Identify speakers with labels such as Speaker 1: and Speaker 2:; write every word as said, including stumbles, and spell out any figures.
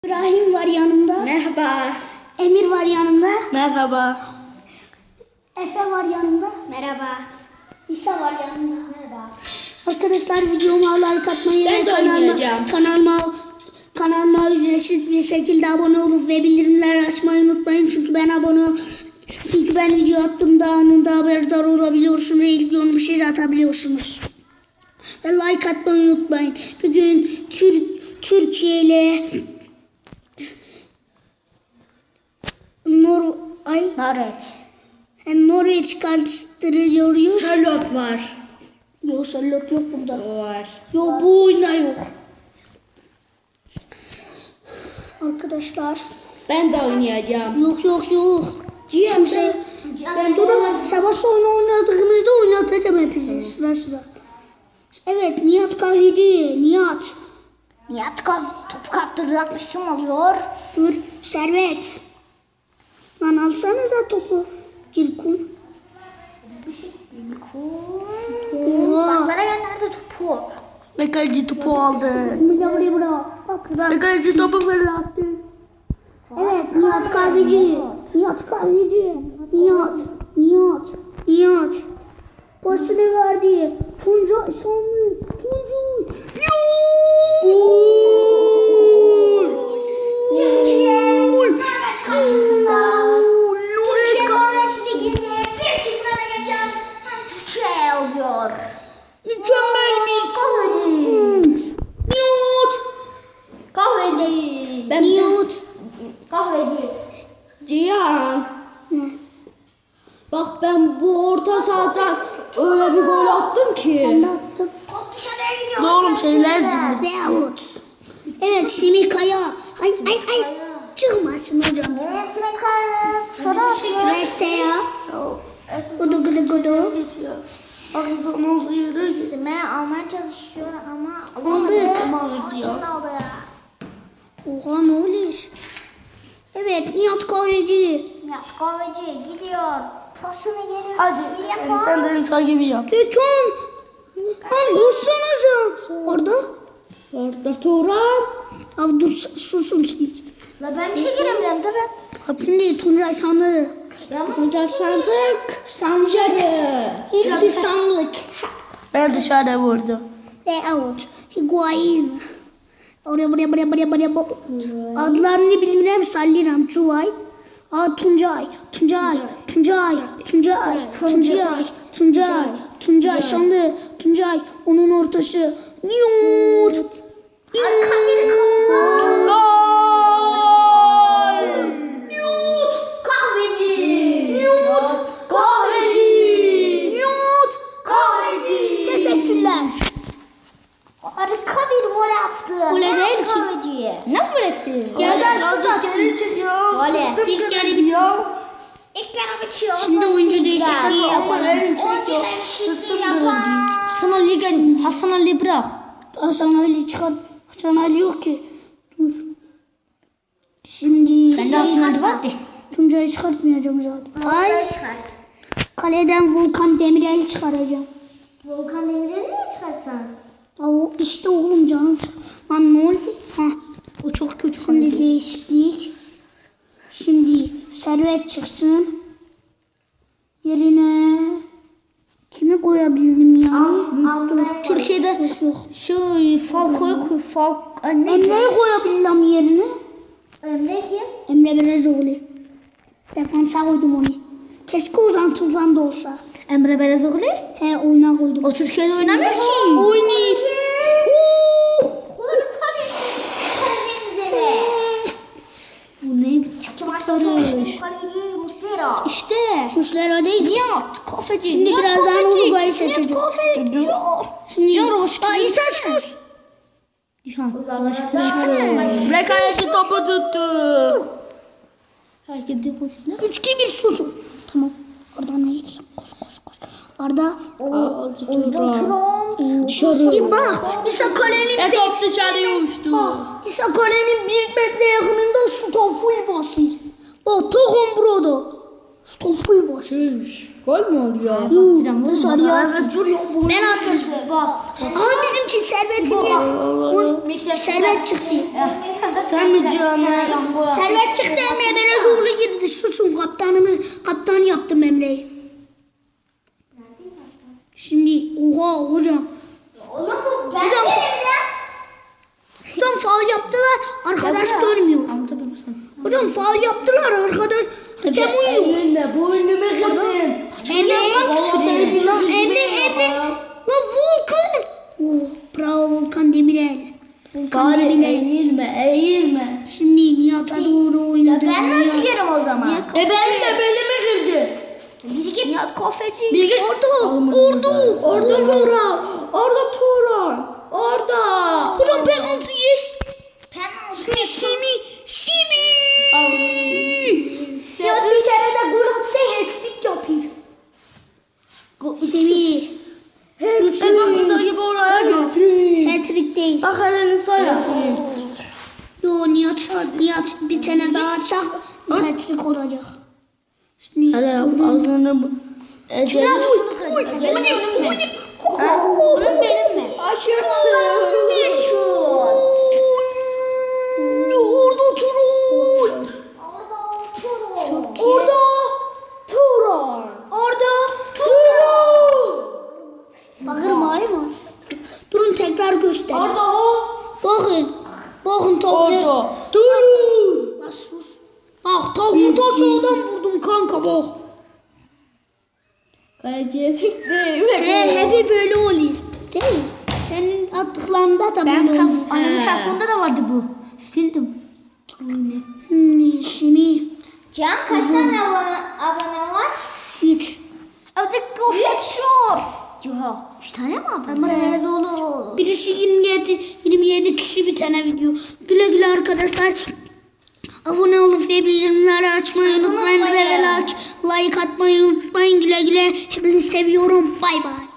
Speaker 1: İbrahim var yanımda.
Speaker 2: Merhaba.
Speaker 1: Emir var yanımda.
Speaker 2: Merhaba.
Speaker 1: Efe var yanımda.
Speaker 2: Merhaba.
Speaker 1: İsa var yanımda. Merhaba. Arkadaşlar videoma like atmayı
Speaker 2: Ben
Speaker 1: ve
Speaker 2: de
Speaker 1: kanalıma,
Speaker 2: oynayacağım.
Speaker 1: kanalıma, kanalıma ücretsiz bir şekilde abone olup ve bildirimler açmayı unutmayın. Çünkü ben abone çünkü ben video attığımda anında haberdar olabiliyorsunuz ve ilk yorum bir şey atabiliyorsunuz. Ve like atmayı unutmayın. Bugün Tür Türkiye ile Nor ay
Speaker 2: Norveç.
Speaker 1: yani Norveç karıştırıyoruz.
Speaker 2: Charlotte var.
Speaker 1: Yok Charlotte yok bunda.
Speaker 2: Var.
Speaker 1: Yok bu oyunda yok. Arkadaşlar.
Speaker 2: Ben de oynayacağım.
Speaker 1: Yok yok yok.
Speaker 2: Ciğer
Speaker 1: Kimse. Ben burada savaş oyunu oynadığımızda oynatacağım hepinizi sıra sıra. Evet Nihat kahveci. Nihat.
Speaker 3: Nihat topu kaptıracakmışım oluyor.
Speaker 1: Dur Servet. Lan alsanıza topu. Gir kum. Oha.
Speaker 3: Bana gönderdi topu.
Speaker 2: Ve kaleci topu aldı.
Speaker 1: Buraya buraya bırak. Bak
Speaker 2: Ve
Speaker 1: buradan.
Speaker 2: kaleci topu fırlattı.
Speaker 1: Evet Nihat kahveci. Nihat kahveci. Nihat. Nihat. Nihat. Başını verdi. Tuncay Şanlı. Tuncay.
Speaker 3: Norveç karşısında. Türkiye Norveç Ligi'nde bir sıfır öne geçen Türkiye oluyor.
Speaker 1: Mükemmel bir şut. Nihat.
Speaker 3: Kahveci.
Speaker 2: Ben
Speaker 1: Nihat.
Speaker 3: Kahveci.
Speaker 2: Cihan.
Speaker 1: Ne?
Speaker 2: Bak ben bu orta sahadan öyle bir gol attım ki.
Speaker 1: Anlattım.
Speaker 3: Top dışarıya gidiyor.
Speaker 2: Oğlum şeyler
Speaker 3: Sizden.
Speaker 2: cimri.
Speaker 1: Veyahut. Evet Semih Kaya. Ay ay ay. Çıkmasın hocam.
Speaker 3: Ve Simet Kaya dışarı atıyor.
Speaker 1: Reste ya. Gudu gudu gudu.
Speaker 2: Ağzın olduğu yere git.
Speaker 3: Sime almaya çalışıyor ama
Speaker 1: Aldık.
Speaker 3: Şimdi aldı ya.
Speaker 1: Oha ne oluyor? Evet Nihat Kahveci.
Speaker 3: Nihat Kahveci gidiyor. Pasını geliyor.
Speaker 2: Hadi
Speaker 3: Yapar.
Speaker 2: sen de insan gibi yap.
Speaker 1: Gökhan. Lan dursanıza. Orada.
Speaker 2: Orada Turan.
Speaker 1: Abi dur susun siz.
Speaker 3: La ben bir şey giremiyorum durun.
Speaker 1: Şimdi Tuncay Sanlı.
Speaker 2: Tuncay sandık. Sancarı.
Speaker 1: İlki sandık.
Speaker 2: Ben dışarıda vurdum.
Speaker 1: Veyahut Higuain. Oraya buraya buraya buraya buraya. bu- Adlarını bilmiyorum. Salliram Çuvay. Aa Tuncay. Tuncay. Tuncay. Tuncay. Tuncay. Tuncay. Tuncay Sanlı. Tuncay. Onun ortası. Niyut.
Speaker 3: Kahveci.
Speaker 1: Niyut.
Speaker 3: Kahveci.
Speaker 1: Niyut.
Speaker 3: Kahveci.
Speaker 1: Teşekkürler.
Speaker 3: Harika bir gol yaptı.
Speaker 1: Gol değil ki.
Speaker 3: Kahveci.
Speaker 2: Ne burası?
Speaker 1: Yerden şut attı.
Speaker 3: Gole.
Speaker 1: İlk yarı bitiyor.
Speaker 3: İlk yarı bitiyor.
Speaker 1: Şimdi oyuncu değişikliği yapalım.
Speaker 3: Oyuncu değişikliği yapan.
Speaker 2: Hasan Ali, Hasan Ali bırak.
Speaker 1: Hasan Ali çıkar. Hasan Ali yok ki. Dur. Şimdi
Speaker 2: Ben de
Speaker 1: şey,
Speaker 2: Hasan Ali var de.
Speaker 1: Tuncay'ı çıkartmayacağım zaten. Ay.
Speaker 3: Ay. Çıkart.
Speaker 1: Kaleden Volkan Demirel'i çıkaracağım.
Speaker 3: Volkan Demirel'i niye çıkarsan?
Speaker 1: Ya o işte oğlum canım. Lan ne oldu? Hah.
Speaker 2: O çok kötü.
Speaker 1: Şimdi değişiklik. Şimdi Servet çıksın. Yerine kimi koyabilirim ya?
Speaker 3: Dur.
Speaker 2: Türkiye'de
Speaker 1: Yok yok.
Speaker 2: şu Falco'yu koy. Falco. Ne?
Speaker 1: Emre'yi koyabilirim yerine.
Speaker 3: Emre kim?
Speaker 1: Emre Belezoğlu. Defansa koydum onu. Keşke Ozan Tufan da olsa.
Speaker 2: Emre Belezoğlu.
Speaker 1: He oyuna koydum.
Speaker 2: O Türkiye'de oynamıyor ki.
Speaker 1: Oynuyor.
Speaker 3: Harika bir kaleci.
Speaker 2: Bu ne biçim çıkmışlarmış.
Speaker 3: Kaleci Muslera.
Speaker 2: İşte.
Speaker 1: Kuşlar o değil.
Speaker 2: Nihat kafeci.
Speaker 1: Şimdi
Speaker 2: Nihat
Speaker 1: birazdan
Speaker 2: kafeci.
Speaker 1: Uruguay'ı
Speaker 2: Nihat
Speaker 1: seçeceğim.
Speaker 2: kafeci.
Speaker 1: Şimdi
Speaker 2: Yaro,
Speaker 1: Aa İsa sus.
Speaker 2: Ve kaleci topu tuttu. Herkes de koşuyor.
Speaker 1: Üç iki bir susun. Tamam. Arda ne gitsin? Koş koş koş. Arda.
Speaker 2: Dışarı.
Speaker 1: Bir bak. İsa kalenin
Speaker 2: Ve
Speaker 1: bir.
Speaker 2: top dışarıya uçtu.
Speaker 1: İsa kalenin bir metre yakınında şuta full basıyor. Bak takım burada. Şuta full basıyor.
Speaker 2: Gol mü oluyor?
Speaker 1: Yuh dışarıya atıyor. Ben atmışım. Bak. Ama bizimki Servet'in ya. Servet çıktı.
Speaker 2: Sen mi canım.
Speaker 1: Servet çıktı, Emre Belezoğlu girdi. Susun, kaptanımız kaptan yaptım Emre'yi. Şimdi oha hocam.
Speaker 3: Oğlum bu ben
Speaker 1: Hocam,
Speaker 3: değilim ya.
Speaker 1: Hocam faul yaptılar. Arkadaş görmüyor. Hocam faul yaptılar arkadaş. Hakem uyuyor.
Speaker 2: Elinle boynumu kırdın.
Speaker 1: Emre,
Speaker 2: Vallahi seni
Speaker 1: lan
Speaker 2: billahi
Speaker 1: Emre,
Speaker 2: billahi
Speaker 1: Emre.
Speaker 2: ya.
Speaker 1: Lan Volkan. Oh, bravo Volkan Demirel. Volkan
Speaker 2: Gari
Speaker 1: Demirel.
Speaker 2: eğilme eğilme.
Speaker 1: Şimdi Nihat'a doğru oynadı.
Speaker 3: Ben nasıl
Speaker 1: Nihat.
Speaker 3: yerim o zaman?
Speaker 2: E benim de belimi kırdı.
Speaker 3: Bir git. Nihat kafeci.
Speaker 2: Bir git.
Speaker 1: Orada, orada.
Speaker 2: Orada Turan. Orada Turan. Orada.
Speaker 1: Hocam penaltı yes.
Speaker 3: Penaltı.
Speaker 1: Simi, Simi.
Speaker 3: Ya bir kere de gol atsa hat-trick yapıyor.
Speaker 1: Simi.
Speaker 2: Hat-trick gibi oraya götürün.
Speaker 1: Hat-trick değil.
Speaker 2: Bak elini say.
Speaker 1: Yo Nihat, Nihat bir tane daha atacak. Hat-trick olacak. Şimdi
Speaker 2: Hele ağzını bu. Ecel.
Speaker 1: Oy, hadi, hadi.
Speaker 3: Bunun benim mi?
Speaker 1: Orada Turun.
Speaker 2: Orada Turan. Orada Turan.
Speaker 1: Bağırma hayvan. Durun tekrar göster.
Speaker 2: Orada o.
Speaker 1: Bakın. Bakın tavuğu.
Speaker 2: Orada Turan.
Speaker 1: Lan sus. Bak tavuğu da sağdan vurdum kanka bak.
Speaker 2: Kaleciye sekti.
Speaker 1: He, hepi böyle oluyor. Değil. Senin attıklarında da
Speaker 3: Ben
Speaker 1: böyle
Speaker 3: tam
Speaker 1: oluyor.
Speaker 3: annemin telefonunda da vardı bu. Sildim.
Speaker 1: Hmm, şimdi
Speaker 3: Can kaç tane abone, abone var?
Speaker 1: hiç.
Speaker 3: Artık gofret şor. Ciha. Üç tane mi abone? Evet oğlum.
Speaker 1: Birisi yirmi yedi, yirmi yedi kişi bir tane video. Güle güle arkadaşlar. Abone olup ve bildirimleri açmayı unutmayın.
Speaker 3: Unutmayın.
Speaker 1: Level aç, like atmayı unutmayın. Güle güle. Hepinizi seviyorum. Bay bay.